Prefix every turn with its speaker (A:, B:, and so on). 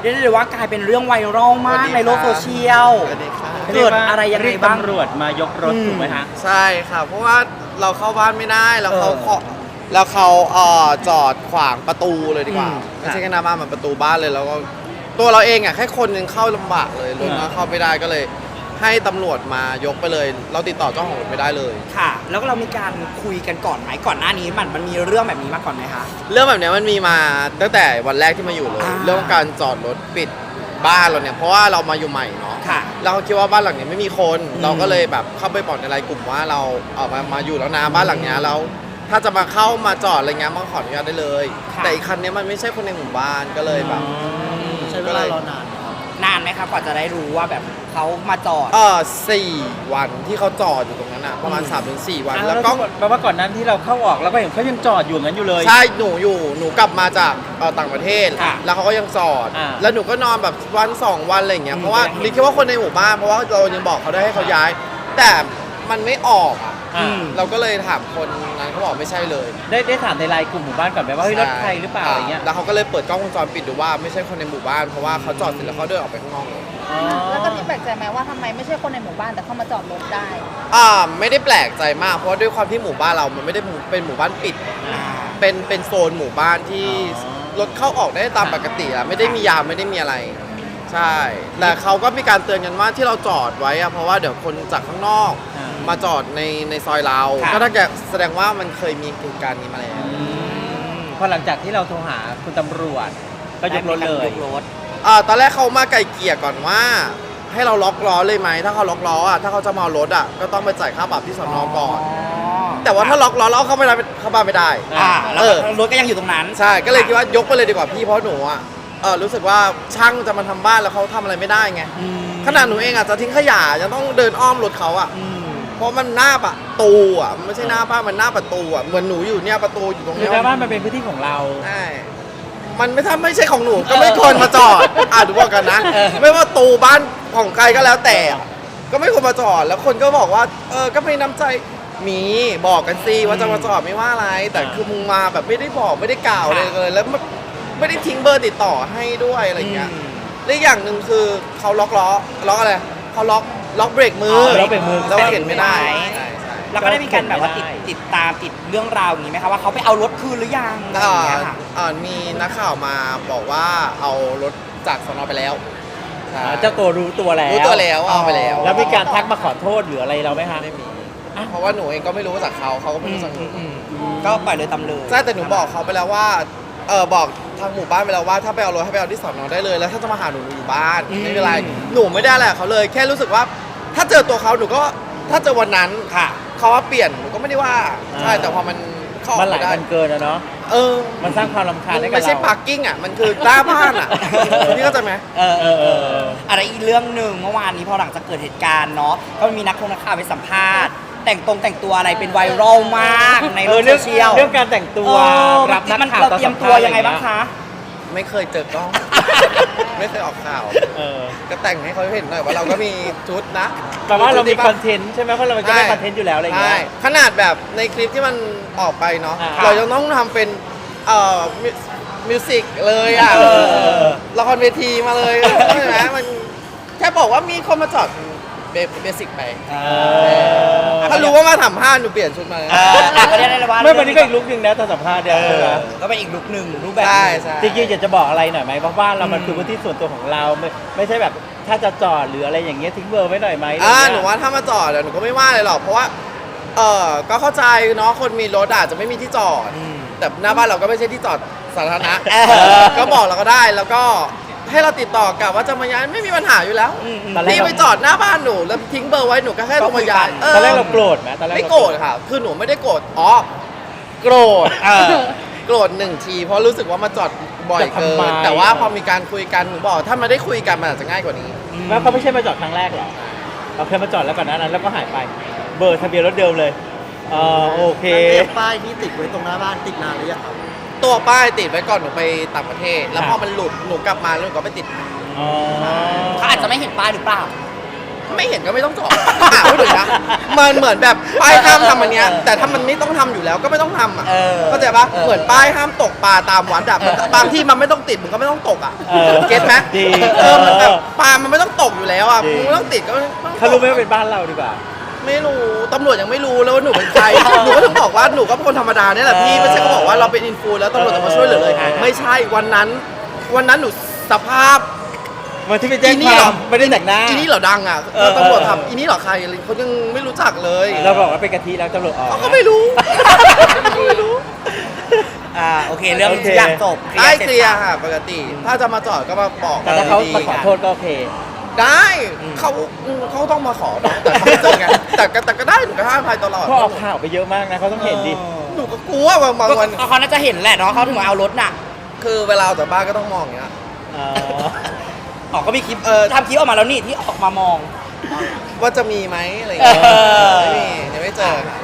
A: เรียกได้เลยว่ากลายเป็นเรื่องไวรัลมากในโลกโซเชียลเกิดอะไรยังไงบ้าง
B: ตำรวจมายกรถถูกไหมฮะ
C: ใช่ค่ะเพราะว่าเราเข้าบ้านไม่ได้แล้วเขาจอดขวางประตูเลยดีกว่าไม่ใช่แค่หน้าบ้านมันประตูบ้านเลยแล้วก็ตัวเราเองอ่ะแค่คนนึงเข้าลำบากเลยรถก็เข้าไม่ได้ก็เลยให้ตำรวจมายกไปเลยเราติดต่อเจ้าของรถไม่ได้เลย
A: ค่ะแล้วก็เรามีการคุยกันก่อนไหมก่อนหน้านี้มันมีเรื่องแบบนี้มาก่อนไหมคะ
C: เรื่องแบบนี้มันมีมาตั้งแต่วันแรกที่มาอยู่เลยเรื่องการจอดรถปิดบ้านเราเนี่ยเพราะว่าเรามาอยู่ใหม่เนาะเราคิดว่าบ้านหลังนี้ไม่มีคนเราก็เลยแบบเข้าไปบอกในไลน์กลุ่มว่าเรามาอยู่แล้วนะบ้านหลังนี้แล้วถ้าจะมาเข้ามาจอดอะไรเงี้ยมาขออนุญาตได้เลยแต่อีกคันนี้มันไม่ใช่คนในหมู่บ้านก็เลยแบบ
D: ใช้เวลารอน
A: านไหมครับกว่าจะได้รู้ว่าแบบเขามาจอด
C: 4 วันที่เขาจอดอยู่ตรงนั้นอ่ะประมาณ 3-4 วัน
B: แล้วก็แปลว่าก่อนนั้นที่เราเข้าออกแล้วก็เห็นเขายังจอดอยู่งั้นอยู่เลย
C: ใช่หนูกลับมาจากต่างประเทศแล้วเขาก็ยังจอดแล้วหนูก็นอนแบบวัน2 วันอะไรอย่างเงี้ยเพราะว่าดิคิดว่าคนในหมู่บ้านเพราะว่าเรายังบอกเขาได้ให้เขาย้ายแต่มันไม่ออกเราก็เลยถามคนนั้นเขาบอกไม่ใช่เลย
B: ได้ถามในไลน์กลุ่มหมู่บ้านก่อนไหมว่าเฮ้ยรถใครหรือเปล่าอะไรเงี้ย
C: แล้วเขาก็เลยเปิดกล้องวงจรปิดดูว่าไม่ใช่คนในหมู่บ้านเพราะว่าเขาจอดเสร็จแล้วเขาเดินออกไปข้างนอกเลย
E: แล้วก็ที่แปลกใจไหมว่าทำไมไม่ใช่คนในหมู่บ้านแต่เข้ามาจอดรถได้
C: ไม่ได้แปลกใจมากเพราะด้วยความที่หมู่บ้านเรามันไม่ได้เป็นหมู่บ้านปิดเป็นโซนหมู่บ้านที่รถเข้าออกได้ตามปกติอะไม่ได้มียามไม่ได้มีอะไรใช่แต่เขาก็มีการเตือนกันว่าที่เราจอดไว้อะเพราะว่าเดี๋ยวคนจากข้างนอกมาจอดในซอยเราก็ถ้าแสดงว่ามันเคยมีเหตุการณ์นี้มาแล้ว
B: พอหลังจากที่เราโทรหาคุณตำรวจก็ยกรถเลย
C: ตอนแรกเขามาไกลเกลี่ยก่อนว่าให้เราล็อกล้อเลยไหมถ้าเขาล็อกล้ออ่ะถ้าเขาจะมาเอารถอ่ะก็ต้องไปจ่ายค่าปรับที่สน.ก่อนแต่ว่าถ้าล็อกล้อแล้วเข้าไม่ได้
A: แล้วรถก็ยังอยู่ตรงนั้น
C: ใช่ก็เลยคิดว่ายกไปเลยดีกว่าพี่เพราะหนูอ่ะรู้สึกว่าช่างจะมาทำบ้านแล้วเขาทำอะไรไม่ได้ไงขนาดหนูเองอ่ะจะทิ้งขยะยังต้องเดินอ้อมรถเขาอ่ะเพราะมันหน้าประตูอ่ะมันไม่ใช่หน้าบ้านมันหน้าประตูอ่ะเหมือนหนูอยู่เนี่ยประตูอยู่ตรงนี้
B: หน้าบ้านมันเป็นพื้นที่ของเรา
C: ใช่มันไม่ใช่ของหนูก็ไม่ควรมาจอดดูว่ากันนะไม่ว่าตูบ้านของใครก็แล้วแต่ก็ไม่ควรมาจอดแล้วคนก็บอกว่าก็มีน้ำใจมีบอกกันสิว่าจะมาจอดไม่ว่าอะไรแต่คือมึงมาแบบไม่ได้บอกไม่ได้กล่าวเลยแล้วไม่ได้ทิ้งเบอร์ติดต่อให้ด้วยอะไรเงี้ยและอย่างหนึ่งคือเขาล็อกอะไรเขาล็อกเบรกมือแล้วเห็นไม่ได้
A: แล้วก็ได้มีการแบบว่าติดตามติดเรื่องราวอย่างนี้ไหมคะว่าเขาไปเอารถคืนหรือยัง
C: มีนักข่าวมาบอกว่าเอารถจากสน.ไปแล้ว
B: เจ้าตัวรู้ตัวแล้ว
C: เอาไปแล้ว
B: แล้วมีการทักมาขอโทษหรืออะไรเราไหมคะ
C: ไม่มีเพราะว่าหนูเองก็ไม่รู้จากเขาก็ไม่รู้จากหนู
A: ก็ปล่อยเลยตำเลย
C: ใช่แต่หนูบอกเขาไปแล้วว่าบอกทางหมู่บ้านไปแล้วว่าถ้าไปเอารถให้ไปเอาที่สน.ได้เลยแล้วถ้าจะมาหาหนูอยู่บ้านไม่เป็นไรหนูไม่ได้แหละเขาเลยแค่รู้สึกว่าถ้าเจอตัวเขาหนูก็ถ้าเจอวันนั้นเขาว่าเปลี่ยนหนูก็ไม่ได้ว่าใช่แต่พอมัน
B: หลายมันเกินแล้วเนาะมันสร้างความรำคาญให้กับเรา
C: ไม่ใช่พาร์กิ้งอ่ะมันคือหน้าบ้านอ่ะพี่เข้าใจไหม
A: อะไรอีกเรื่องหนึ่งเมื่อวานนี้พอหลังจากเกิดเหตุการณ์เนาะก็มีนักข่าวไปสัมภาษณ์แต่งตัวอะไรเป็นไวรัลมากในโลกโซเชียล
B: เรื่องการแต่งตัว
A: รับนักข่าวเตรียมตัวยังไงบ้างคะ
C: ไม่เคยเจอกล้องไม่เคยออกข่าวก็แต่งให้เขาเห็นหน่อยว่าเราก็มีชุดนะ
B: แปลว่าเรามีคอนเทนต์ใช่ไหมเพราะเราจะได้คอนเทนต์อยู่แล้วอะไรอย่างเงี้ย
C: ขนาดแบบในคลิปที่มันออกไปเนาะเรายังต้องทำเป็นมิวสิกเลยอ่ะละครเวทีมาเลยใช่ไหมมันแค่บอกว่ามีคนมาจอดเบสิกไปถ้ารู้ว่ามาสัมภาษณ์หนูเปลี่ยนชุดมาเลย
B: ไม่วันนี้ก็อีกลุคนึงนะตอนสัมภาษณ์เดียว
A: ก็เป็นอีกลุคนึงรูปแบบ
B: จริงๆอยากจะบอกอะไรหน่อยไหมเพราะว่าเรามันคือพื้นที่ส่วนตัวของเราไม่ใช่แบบถ้าจะจอดหรืออะไรอย่างเงี้ยทิ้งเบอร์ไว้หน่อยไหม
C: หนูว่าถ้ามาจอดหนูก็ไม่ว่าเลยหรอกเพราะว่าก็เข้าใจเนาะคนมีรถอาจจะไม่มีที่จอดแต่หน้าบ้านเราก็ไม่ใช่ที่จอดสาธารณะก็บอกเราก็ได้แล้วก็ให้เราติดต่อกลับว่าจะมาย้ายไม่มีปัญหาอยู่แล้วพี่ไปจอดหน้าบ้านหนูแล้วทิ้งเบอร์ไว้หนูก็แค่ลงมาย้าย
B: ตอนแรกเราโกรธไหมตอนแรก
C: ไม่โกรธค่ะคือหนูไม่ได้โกรธโกรธ1 ทีเพราะรู้สึกว่ามาจอดบ่อยเกินแต่ว่าพอมีการคุยกันหนูบอกถ้ามาได้คุยกันมันอาจจะง่ายกว่านี้
B: แล้วเขาไม่ใช่มาจอดครั้งแรกหรอเราเคยมาจอดแล้วก่อนนั้นแล้วก็หายไปเบอร์ทะเบียนรถเดิมเลยโอเค
D: ป้ายที่ติดไว้ตรงหน้าบ้านติดนานหรือยังครับ
C: ตัวป้ายติดไว้ก่อนหนูไปต่างประเทศแล้วพอมันหลุดหนูกลับมาแล้วหนูก็ไปติด
A: เขาอาจจะไม่เห็นป้ายหรือเปล่า
C: ไม่เห็นก็ไม่ต้องจอดพูดถึงนะมันเหมือนแบบป้ายห้ามทำอันเนี้ยแต่ถ้ามันไม่ต้องทำอยู่แล้วก็ไม่ต้องทำอ่ะเข้าใจปะเหมือนป้ายห้ามตกปลาตามวัดอะบางที่มันไม่ต้องติดมึงก็ไม่ต้องตกอ่ะเก็ตไหม
B: ดี
C: มันแบบปลามันไม่ต้องตกอยู่แล้วอ่ะมึงไม่ต้องติดก็ไม่ต้องตก
B: เขารู้ไหมว่าเป็นบ้านเราดีกว่า
C: ไม่รู้ตำรวจยังไม่รู้แล้วว่าหนูเป็นใคร หนูก็ต้องบอกว่าหนูก็เป็นคนธรรมดาเนี่ยแหละพี่ไม่ใช่เขาบอกว่าเราเป็นอินฟูแล้วตำรวจจะมาช่วยเหลือเลย ไม่ใช่วันนั้นหนูสภาพ
B: วันที่ไปแจ้ง
C: อีนี่
B: ค
C: เหร
B: วา
C: อ
B: มไม่ได้แต่งหน้า
C: อีนี่เหรอดังอ่ะแล้วตำรวจทำอีนี่เหรอใครอะไรเขายังไม่รู้จักเลย
B: เราบอกว่าเป็นกะทิแล้วตำรวจออก
C: เขาก็ไม่รู้ ไม่รู้
A: โอเคเรื่อง
B: โอเค
A: ทุกอย่างจบ
C: ได้
A: สร็จ
C: เคลียร์ค่ะปกติ ถ้าจะมาจอดก็มาบอก
B: แต่ถ้าเขา
C: ดี
B: มา
C: ๆ
B: ขอโทษก็โอเค
C: ได้เขาต้องมาขอแต่เขาไม่เจอไงแต่ก็ได้หนูก็ให้อภัยตลอด
B: เพราะออกข่าวไปเยอะมากนะเขาต้องเห็นดิ
C: หนูก็กลัวบางวัน
A: ก็เขาน่าจะเห็นแหละเนาะเขาถึงมาเอารถน่ะ
C: คือเวลาออกจากบ้านก็ต้องมองอย่างเงี้ย
B: อ๋อ
A: ออกก็มีคลิปทำคลิปออกมาแล้วนี่ที่ออกมามอง
C: ว่าจะมีไหมอะไรอย่างเงี้ย
A: เออ
C: ไม่มียังไม่เจอ